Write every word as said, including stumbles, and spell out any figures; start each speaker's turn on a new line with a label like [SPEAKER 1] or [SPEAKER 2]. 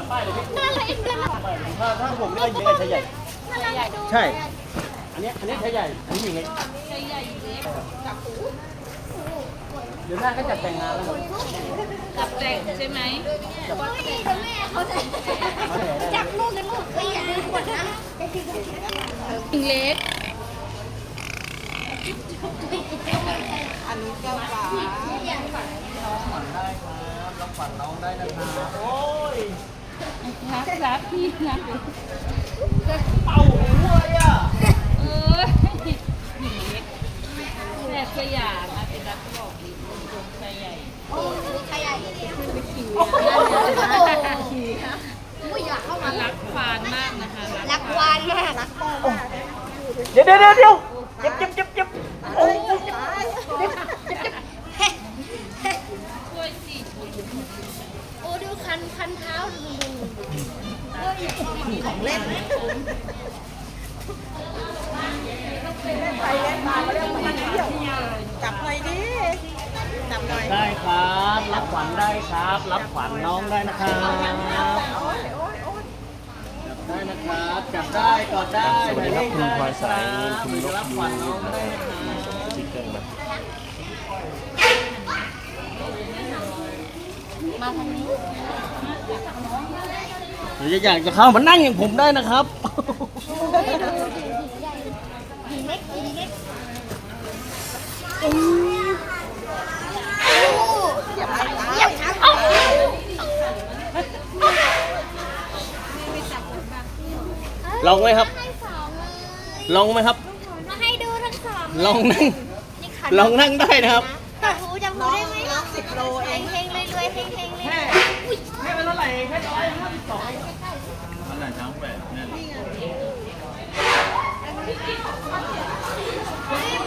[SPEAKER 1] ป้ายเลยพี่
[SPEAKER 2] อะไรกันล่ะ
[SPEAKER 1] ถ้าถ้าผมไม่ได้ยิงไอ้ชายใหญ่
[SPEAKER 2] อะไรดู
[SPEAKER 1] ใช่ อันนี้อันนี้ชายใหญ่ อันนี้ยิงไง
[SPEAKER 2] ใหญ่เล็ก
[SPEAKER 1] เดี๋ยวหน้าก็จัดแต่งงานแล้วครับ
[SPEAKER 2] กับแตงใช่ไหมไม่ดีแม่เขาจะจับลูกกันลูกไม่อยากดึงขวดนะเล็ก
[SPEAKER 3] อันนี้แก้วฟ้า
[SPEAKER 1] ฝันได้ครับรับฝันน้องได้นะครับโอ้ย
[SPEAKER 2] รักรักพี่นะ
[SPEAKER 1] เป่าหัวอ่ะ
[SPEAKER 2] เออหญิงเล็กแม่สยามนะเป็นรักบอกดีคนชมชายใหญ่โอ้ชายใหญ่คิวไม่อยากเข้ามารักควานมากนะคะรักควานมากรักพ่อมาก
[SPEAKER 1] เดี๋ยวเดี๋ยวเดี๋ยวเดี๋ยวเจ็บเจ็บเจ็บเจ็บโอ้ย
[SPEAKER 2] ช่วยสิโอ้ดูคันคันเท้าดูดูของเล่น
[SPEAKER 3] ไปเล่นมาเล่นมาเที่ยวจับหน่อยดิจับหน่อย
[SPEAKER 1] ได้ครับรับขวัญได้ครับ รับขวัญน้องได้นะครับ
[SPEAKER 3] โอ้ยโอ้ยโอ้ย
[SPEAKER 1] จับได้นะครับจับได้กอดได้
[SPEAKER 4] สวัสดีครับคุณพลอยสายคุณนก
[SPEAKER 1] รับขวัญน้องได้นะครับ
[SPEAKER 4] สติ๊กเกอร์มา
[SPEAKER 2] มาทางนี้
[SPEAKER 1] หรือจะอยากจะเข้ามานั่งอย่างผมได้นะครับ
[SPEAKER 2] หินเล็กหินเล็ก
[SPEAKER 3] อย่าไปตา
[SPEAKER 2] อย่าทำเอา
[SPEAKER 1] ลองไหมครับ
[SPEAKER 2] ให้สองเลย
[SPEAKER 1] ลองไหมครับ
[SPEAKER 2] มาให้ดูทั้งสอง
[SPEAKER 1] ลองนั่ง ลองนั่งได้นะครับ
[SPEAKER 2] จับหูจับหูได้ไหม
[SPEAKER 3] สิบโลเอ
[SPEAKER 2] เฮ
[SPEAKER 3] ง
[SPEAKER 2] งเฮงเลยรวยเฮงเฮงเลย
[SPEAKER 1] ให้เป็นเท่าไหร่แค่ร้อยห้าสิบสอง
[SPEAKER 4] ขนาดช้างแปดเนี่ย
[SPEAKER 2] เฮ้ย